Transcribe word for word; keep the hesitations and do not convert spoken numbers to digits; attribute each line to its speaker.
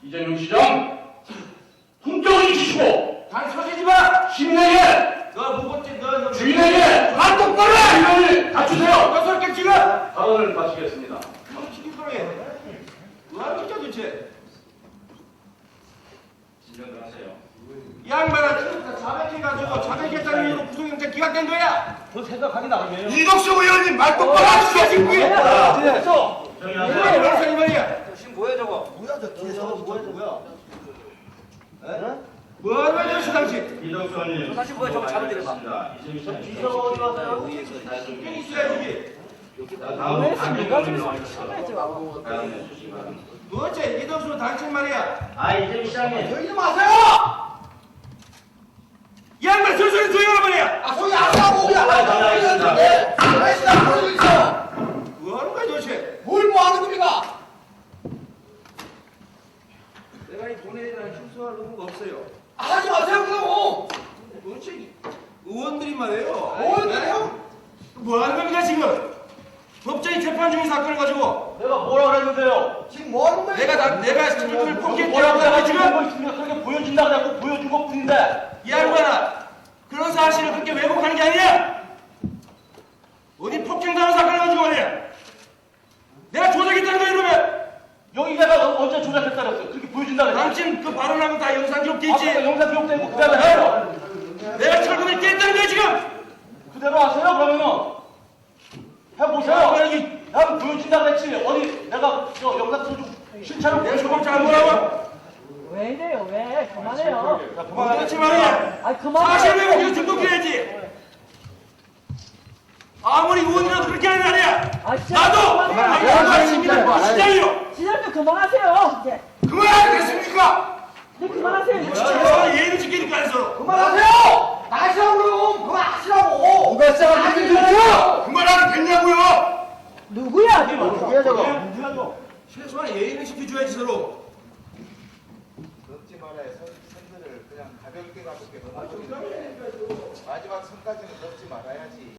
Speaker 1: 이재명 시장 품격을 지키고
Speaker 2: 당 서지지 마!
Speaker 1: 시민에게
Speaker 2: 너 무겁지 너
Speaker 1: 주인에게
Speaker 2: 아 똑바로
Speaker 1: 주인을 갖추세요.
Speaker 2: 너 그렇게 지금!
Speaker 1: 발언을 마치겠습니다.
Speaker 2: 형 시킬 거래. 뭐하는 거야 도대체?
Speaker 1: 진정들 하세요.
Speaker 2: 이 양반아 지금 다 자백해가지고 자백했다는 이유로 구속영장 기각된 거야!
Speaker 3: 그 생각하기 나름이에요.
Speaker 2: 이덕수 의원님 말 똑바로 하시죠 지금 그게!
Speaker 3: 됐어.
Speaker 1: 정리
Speaker 2: 왜
Speaker 1: 하세요.
Speaker 2: 그래서 이 말이야?
Speaker 3: 지금 뭐야 저거?
Speaker 4: 뭐야 저 뒤에 저거 뭐야 저거 뭐야?
Speaker 2: 뭐하는 거야 저 당신?
Speaker 1: 이덕수 의원님.
Speaker 3: 사실 뭐야, 저거 잘못 들어봐.
Speaker 1: 이재명 시장.
Speaker 3: 비서가 어디 가세요?
Speaker 2: 여기 있어야지.
Speaker 1: 다음 단계를 발언해 주시기 바랍니다.
Speaker 2: 도대체 이덕수 당신 말이야.
Speaker 1: 아 이재명 시장님.
Speaker 4: 저기 좀 하세요!
Speaker 2: 이 양반 저 소리 조용하란 말이야.
Speaker 4: 아 소리 안 하고 그냥
Speaker 1: 아, 전화하겠습니다.
Speaker 4: 왜 시작 보여주고 있어?
Speaker 2: 뭐하는 거야 도대체?
Speaker 4: 뭘 뭐 하는 겁니까?
Speaker 2: 내가 이 돈에 대한 흉수할 의무가 없어요.
Speaker 4: 하지 마세요 그럼
Speaker 2: 도대체 의원들이 말이에요.
Speaker 4: 의원들이요?
Speaker 2: 뭐 하는 겁니까 지금? 법정이 재판 중인 사건을 가지고
Speaker 3: 내가 뭐라 그랬는데요?
Speaker 4: 지금 뭐 하는 거예요?
Speaker 2: 내가 나, 내가 철도를
Speaker 3: 뭐라고
Speaker 2: 폭행했다고
Speaker 3: 내가
Speaker 2: 하고
Speaker 3: 지금
Speaker 2: 지금
Speaker 3: 거 있습니다. 그렇게 보여준다 그래갖고 보여준 것 뿐인데.
Speaker 2: 이 양반아 그런 사실을 그렇게 왜곡하는 게 아니야. 어디 폭행당한 사건을 가지고 말이야. 내가 조작했다는 거야 이러면
Speaker 3: 여기 내가 언제 조작했다 그랬어요? 그렇게 보여준다 그랬어요.
Speaker 2: 당신 그 발언하고 다 영상 기록돼 있지.
Speaker 3: 아까 영상 기록되고 그대로 해요.
Speaker 2: 내가 철도를 깼다는 거야 지금.
Speaker 3: 그대로 하세요 그러면은. 해보세요. 난 보여준다 그랬지. 어디 내가 저 영상 소중 실체로
Speaker 2: 내가 조금 잘 보라고.
Speaker 5: 왜 이래요? 왜? 그만해요.
Speaker 3: 자,
Speaker 2: 그렇지
Speaker 3: 그만하겠습니다.
Speaker 2: 말이야.
Speaker 5: 아니 그만.
Speaker 2: 사실 왜곡해서 등록해야지. 아무리 의원이라도 그렇게 하는 거 아니야.
Speaker 5: 아, 진짜
Speaker 2: 나도
Speaker 5: 그만해요.
Speaker 2: 당신과 시민의 시장이요.
Speaker 5: 시장님 그만하세요. 이제.
Speaker 2: 그만하겠습니까?
Speaker 5: 네 그만하세요. 이제.
Speaker 2: 진짜 예의를 지키니까 해서
Speaker 4: 그만하세요! 나시라고 그럼 그만하시라고! 누가 시작을 했는데요?
Speaker 2: 그만하면 됐냐고요.
Speaker 5: 누구야?
Speaker 4: 누구야 저거?
Speaker 3: 누가 저?
Speaker 2: 최소한 예의는 지켜줘야지 서로.
Speaker 6: 넘지 말아야 선, 선들을 그냥 가볍게 가볍게 넘어버리는데 마지막 선까지는 넘지 말아야지.